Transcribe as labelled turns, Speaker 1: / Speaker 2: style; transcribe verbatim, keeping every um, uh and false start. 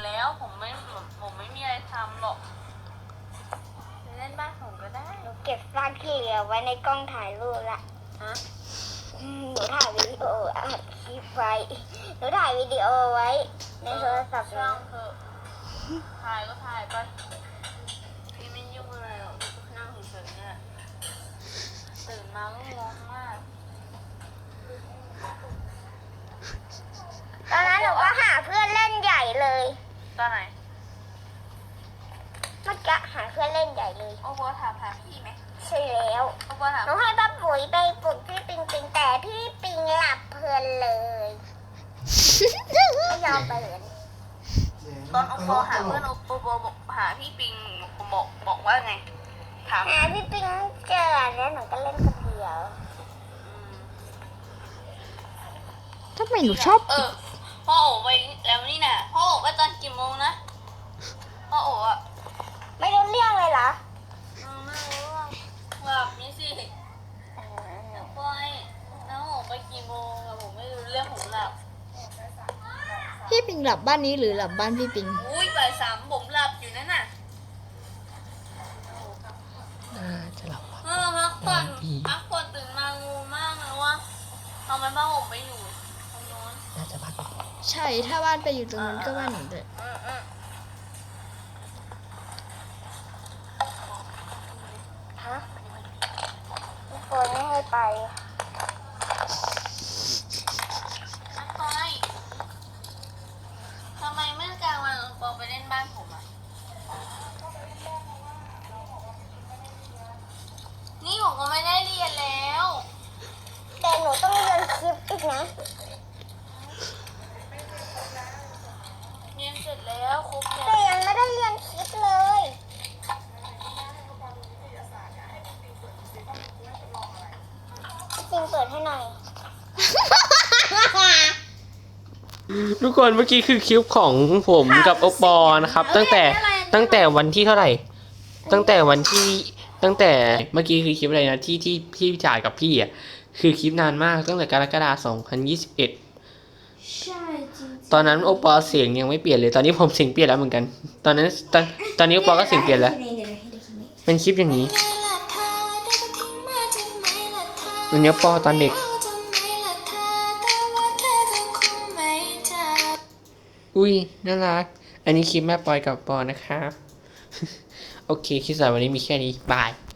Speaker 1: แล้วผมไม่ผมไม่มีอะไรทำหรอกไปเล่นบ้านผมก็ได้
Speaker 2: หนูเก็บซากที่เหลือไว้ในกล้องถ่ายรูปละ
Speaker 1: ฮะ
Speaker 2: หนูถ่ายวิดีโออัดคลิปไว้หนูถ่ายวิดีโอไว้ในโทรศัพท์
Speaker 1: ช่างเถอะถ่ายก็ถ่ายไปพี่ไม่ยุ่งอะไรหรอกพี่ก็นั่งเฉยๆเนี่ยตื่นมาก็งงมาก
Speaker 2: ตอนนั้นหนูก็หาเพื่อนเล่นใหญ่เลย
Speaker 1: ตอนไหน
Speaker 2: เมื่อกี้หาเพื่อนเล่นใหญ่เลย
Speaker 1: โอ้โหถามหาพี่ไหม
Speaker 2: ใช่แล้ว
Speaker 1: โอ้โหถาม
Speaker 2: หนูให้ป้าปุ๋ยไปปลุกพี่ปิงปิงแต่พี่ปิงหลับเพลินเลยไม่ยอมไปเลย
Speaker 1: ตอนโอปอหาเพื่อนโอปอบอกหาพี่ปิงบอกบอกว่าไงถาม
Speaker 2: หาพี่ปิงเจอแล้วหนูก็เล่นคนเดียว
Speaker 3: ทำไมหนูชอบ
Speaker 1: เออพ่อโอไปแล้วนี่น่ะพ่อโอไปตอนกี่โมงนะพ่อโออ่ะ
Speaker 2: ไม่รู้เรื่องเลยเหรอ
Speaker 1: ไม่รู้ว่าหลับนี่สิแล้วปอยแล้วโอไปกี่โมงอะผมไม่รู้เรื่องผมหลับ
Speaker 3: พี่ปิงหลับบ้านนี้หรือหลับบ้านพี่ปิง
Speaker 1: อุ้ยบ่ายสามผมหลับอยู่นั่นน่ะ
Speaker 3: น่าจะหลับ
Speaker 1: เออพักผ่อนพักผ่อนตื่นมางูมากเลยว่าทำไมบ้านผมไปอยู่ตรงโน้น
Speaker 3: น่าจะพักใช่ถ้าบ้านไปอยู่ตรงนั้นก็บ้านหนูด้วย
Speaker 1: อืมอืม
Speaker 2: ฮะพี่ปอยไม่ให้ไป
Speaker 1: น้ำปอยทำไมเมื่อกลางวันโอปอไปเล่นบ้านผมอ่ะนี่ผมก็ไม่ได้เรียนแล้ว
Speaker 2: แต่หนูต้องเรียนคลิปอีกนะ
Speaker 1: เรียนเสร็จแล้วครบ
Speaker 2: แต่
Speaker 1: แล้ว
Speaker 2: ยังไม่ได้เรียนคลิปเลยจริงเปิดให้หน่อย
Speaker 4: ทุกคนเมื่อกี้คือคลิปของผมกับโอปอนะครับ ตั้งแต่ตั้งแต่วันที่เท่าไหร่ ตั้งแต่วันที่ตั้งแต่เมื่อกี้คือคลิปอะไรนะที่ที่พี่จ่ายกับพี่อ่ะคือคลิปนานมากตั้งแต่กรกฎาคมสองพันยี่สิบเอ็ด
Speaker 2: ใช่จริง
Speaker 4: ตอนนั้นโอปอเสียงยังไม่เปลี่ยนเลยตอนนี้ผมเสียงเปลี่ยนแล้วเหมือนกัน ตอนนั้นตอนตอนนี้โอปอก็เสียงเปลี่ยนแล้วเป็นคลิปอย่างนี้มันเนี้ยปอตอนเด็กอุ้ยน่ารักอันนี้คลิปแม่ปอยกับปอนะครับ โอเคคลิปสำหรับวันนี้มีแค่นี้บาย